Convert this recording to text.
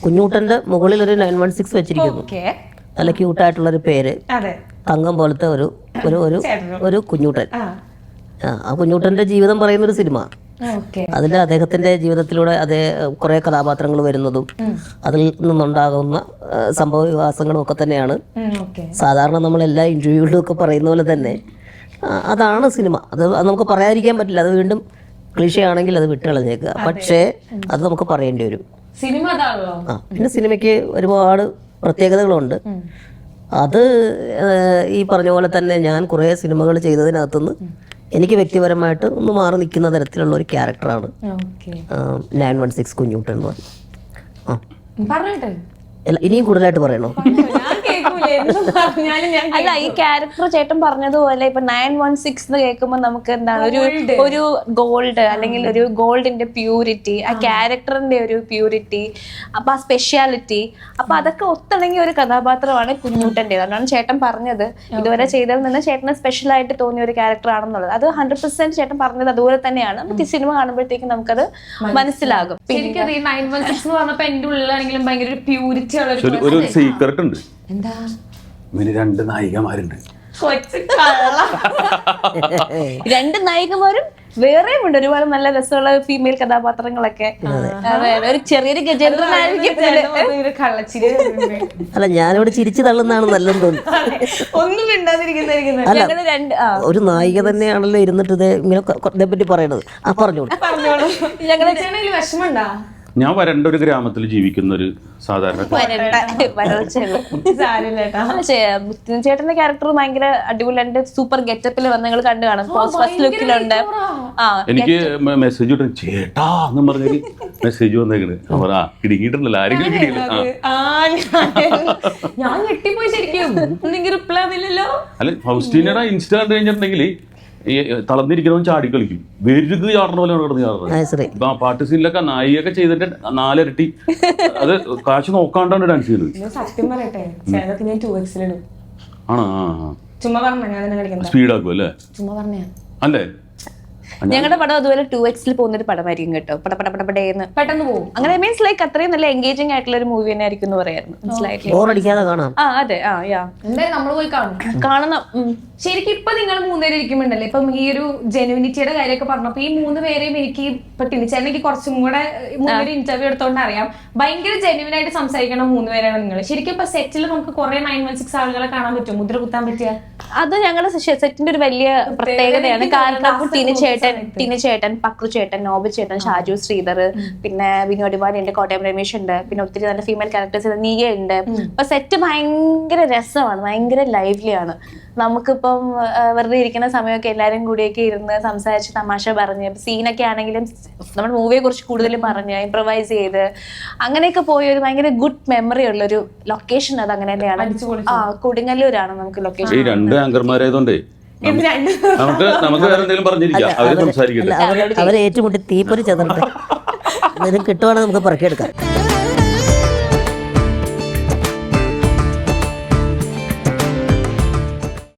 കുഞ്ഞൂട്ടന്റെ മുകളിൽ ഒരു 916 വെച്ചിരിക്കുന്നു. നല്ല ക്യൂട്ടായിട്ടുള്ളൊരു പേര്, തങ്കം പോലത്തെ ഒരു ഒരു ഒരു ഒരു കുഞ്ഞൂട്ടൻ. ആ കുഞ്ഞൂട്ടന്റെ ജീവിതം പറയുന്നൊരു സിനിമ. അതിൽ അദ്ദേഹത്തിന്റെ ജീവിതത്തിലൂടെ അതേ കുറെ കഥാപാത്രങ്ങൾ വരുന്നതും അതിൽ നിന്നുണ്ടാകുന്ന സംഭവ വികാസങ്ങളും ഒക്കെ തന്നെയാണ് സാധാരണ നമ്മൾ എല്ലാ ഇന്റർവ്യൂകളിലും ഒക്കെ പറയുന്ന പോലെ തന്നെ അതാണ് സിനിമ. അത് നമുക്ക് പറയാതിരിക്കാൻ പറ്റില്ല. അത് വീണ്ടും ക്ലീശയാണെങ്കിൽ അത് വിട്ട് കളഞ്ഞേക്കുക. പക്ഷേ അത് നമുക്ക് പറയേണ്ടി വരും. പിന്നെ സിനിമയ്ക്ക് ഒരുപാട് പ്രത്യേകതകളുണ്ട്. അത് ഈ പറഞ്ഞ പോലെ തന്നെ ഞാൻ കുറേ സിനിമകൾ ചെയ്തതിനകത്തുനിന്ന് എനിക്ക് വ്യക്തിപരമായിട്ട് ഒന്ന് മാറി നിൽക്കുന്ന തരത്തിലുള്ള ഒരു ക്യാരക്ടറാണ് 916 കുഞ്ഞൂട്ടൻ എന്ന് പറഞ്ഞത്. ഇനിയും കൂടുതലായിട്ട് പറയണോ? അല്ല, ഈ ക്യാരക്ടർ ചേട്ടൻ പറഞ്ഞതുപോലെ ഇപ്പൊ 916 എന്ന് കേൾക്കുമ്പോൾ നമുക്ക് എന്താണ് ഒരു ഗോൾഡ് അല്ലെങ്കിൽ ഒരു ഗോൾഡിന്റെ പ്യൂരിറ്റി, ആ ക്യാരക്ടറിന്റെ ഒരു പ്യൂരിറ്റി, അപ്പൊ ആ സ്പെഷ്യാലിറ്റി, അപ്പൊ അതൊക്കെ ഒത്തിണങ്ങിയ ഒരു കഥാപാത്രമാണ് കുഞ്ഞൂട്ടൻ്റെ. അതാണ് ചേട്ടൻ പറഞ്ഞത് ഇതുവരെ ചെയ്തതിൽ നിന്ന് ചേട്ടന് സ്പെഷ്യൽ ആയിട്ട് തോന്നിയ ഒരു ക്യാരക്ടർ ആണെന്നുള്ളത്. അത് 100% ചേട്ടൻ പറഞ്ഞത് അതുപോലെ തന്നെയാണ്. നമുക്ക് ഈ സിനിമ കാണുമ്പോഴത്തേക്കും നമുക്കത് മനസ്സിലാകും. ശരിക്കും 916 എന്ന് പറഞ്ഞപ്പോ എന്റെ ഉള്ളിലാണെങ്കിലും ഭയങ്കര ഒരു പ്യൂരിറ്റി ഉള്ള ഒരു സീക്രട്ട് ഉണ്ട്. എന്താ? ഇവന് 2 നായികമാരുണ്ട്. 2 നായികമാരും വേറെയും ഉണ്ട്. ഒരുപാട് നല്ല രസമുള്ള ഫീമെയിൽ കഥാപാത്രങ്ങളൊക്കെ. ഒരു ചെറിയൊരു ഗജേന്ദ്രനായിരിക്കും. അല്ല, ഞാനിവിടെ ചിരിച്ചു തള്ളുന്നതാണ് നല്ലതെന്ന് തോന്നുന്നു. ഒന്നും മിണ്ടാതിരിക്കുന്ന അല്ല, ഒരു നായിക തന്നെയാണല്ലോ ഇരുന്നിട്ട് ഇതേപ്പറ്റി പറയണത്. പറഞ്ഞോളൂ. ഞങ്ങളുടെ വിഷമമുണ്ടാ? ഞാൻ വരണ്ട ഒരു ഗ്രാമത്തിൽ ജീവിക്കുന്ന ഒരു സാധാരണ ചേട്ടന്റെ ക്യാരക്ടർ ഭയങ്കര അടിപൊളിയായിട്ട് സൂപ്പർ ഗെറ്റപ്പിൽ വന്ന് നിങ്ങൾ കണ്ടു കാണും. ഫസ്റ്റ് ലുക്കിലുണ്ട്. എനിക്ക് മെസ്സേജ് കിട്ടും, ചേട്ടാ എന്ന് പറഞ്ഞൊരു മെസ്സേജ് വന്നേക്കണ്. കിടങ്ങിയിട്ടുണ്ടല്ലോ, ആരെങ്കിലും കിട്ടിയില്ല. ഞാൻ ഞെട്ടിപ്പോയി ശരിക്കും. റിപ്ലൈ ഒന്നുമില്ലല്ലോ. അല്ല, ഫൗസ്റ്റീനയുടെ ഇൻസ്റ്റ കണ്ടു കഴിഞ്ഞിട്ടുണ്ടെങ്കിൽ ഈ തളർന്നിരിക്കുന്നവൻ ചാടി കളിക്കും. വെരുക്ക് ചാടുന്ന പോലെ കിടന്ന് ചാടുന്നത്. ഇപ്പൊ പാട്ട് സീനിലൊക്കെ നായികയൊക്കെ ചെയ്തിട്ട് 4 ഇരട്ടി അത് കാശ് നോക്കാണ്ടാണ് ഡാൻസ് ചെയ്യുന്നത്. സത്യം പറയട്ടെ, ഞാൻ 2x ഇടും. ആണോ? ചുമ്മാ പറഞ്ഞ സ്പീഡാക്കും അല്ലേ? ചുമ്മാ പറഞ്ഞ അല്ലേ? ഞങ്ങളുടെ പടം അതുപോലെ 2x പോകുന്നൊരു പടമായിരിക്കും കേട്ടോ. പടപടപടപടേന്ന് പെട്ടെന്ന് പോകും. അങ്ങനെ മീൻസ് ലൈക്ക് അത്രയും നല്ല എൻഗേജിംഗ് ആയിട്ടുള്ള ഒരു മൂവി തന്നെ ആയിരിക്കും എന്ന് പറയായിരുന്നു. മനസ്സിലായിട്ടില്ല? അതെ. എന്തായാലും നമ്മള് പോയി കാണണം. ശരിക്കും ഇപ്പൊ നിങ്ങൾ 3 പേര് ഇരിക്കുമ്പോണ്ടല്ലേ, ഇപ്പം ഈ ഒരു ജെനുവിനിറ്റിയുടെ കാര്യമൊക്കെ പറഞ്ഞപ്പോ ഈ 3 പേരെയും എനിക്ക് ഇപ്പൊ ടിനിച്ചേട്ടനെനിക്ക് കുറച്ചും കൂടെ 3 പേര് ഇന്റർവ്യൂ എടുത്തോണ്ട് അറിയാം. ഭയങ്കര ജെനുവിൻ ആയിട്ട് സംസാരിക്കണ 3 പേരാണ് നിങ്ങൾ. ശരിക്കും ഇപ്പൊ സെറ്റിൽ നമുക്ക് കുറെ 916 ആളുകളെ കാണാൻ പറ്റും, മുദ്ര കുത്താൻ പറ്റിയ. അത് ഞങ്ങളുടെ സെറ്റിന്റെ ഒരു വലിയ പ്രത്യേകതയാണ്. കാരണം ടിനിച്ചേട്ടൻ, പക്രു ചേട്ടൻ, നോബി ചേട്ടൻ, ഷാജു ശ്രീധർ, പിന്നെ വിനോദിവാരി ഉണ്ട്, കോട്ടയം രമേശ് ഉണ്ട്, പിന്നെ ഒത്തിരി നല്ല ഫീമെയിൽ ക്യാരക്ടേഴ്സ് നീയ ഉണ്ട്. അപ്പൊ സെറ്റ് ഭയങ്കര രസമാണ്, ഭയങ്കര ലൈവ്ലിയാണ്. നമുക്കിപ്പം വെറുതെ ഇരിക്കുന്ന സമയമൊക്കെ എല്ലാവരും കൂടിയൊക്കെ ഇരുന്ന് സംസാരിച്ച് തമാശ പറഞ്ഞ് സീനൊക്കെ ആണെങ്കിലും നമ്മുടെ മൂവിയെ കുറിച്ച് കൂടുതൽ പറഞ്ഞ് ഇംപ്രവൈസ് ചെയ്ത് അങ്ങനെയൊക്കെ പോയ ഒരു ഭയങ്കര ഗുഡ് മെമ്മറി ഉള്ള ഒരു ലൊക്കേഷൻ. അത് അങ്ങനെ തന്നെയാണ്. കൊടുങ്ങല്ലൂരാണ് നമുക്ക് ലൊക്കേഷൻ. ഈ 2 ആങ്കർമാരായതുകൊണ്ടേ നമുക്ക് വേറെ എന്തെങ്കിലും പറഞ്ഞിരിക്കാം. അവരെ സംസാരിക്കട്ടെ. അവരെ ഏറ്റുമുട്ടി തീപ്പൊരി ചെതറട്ടെ. എന്തെങ്കിലും കിട്ടുവാണെങ്കിൽ നമുക്ക് പറക്കിയെടുക്കാം.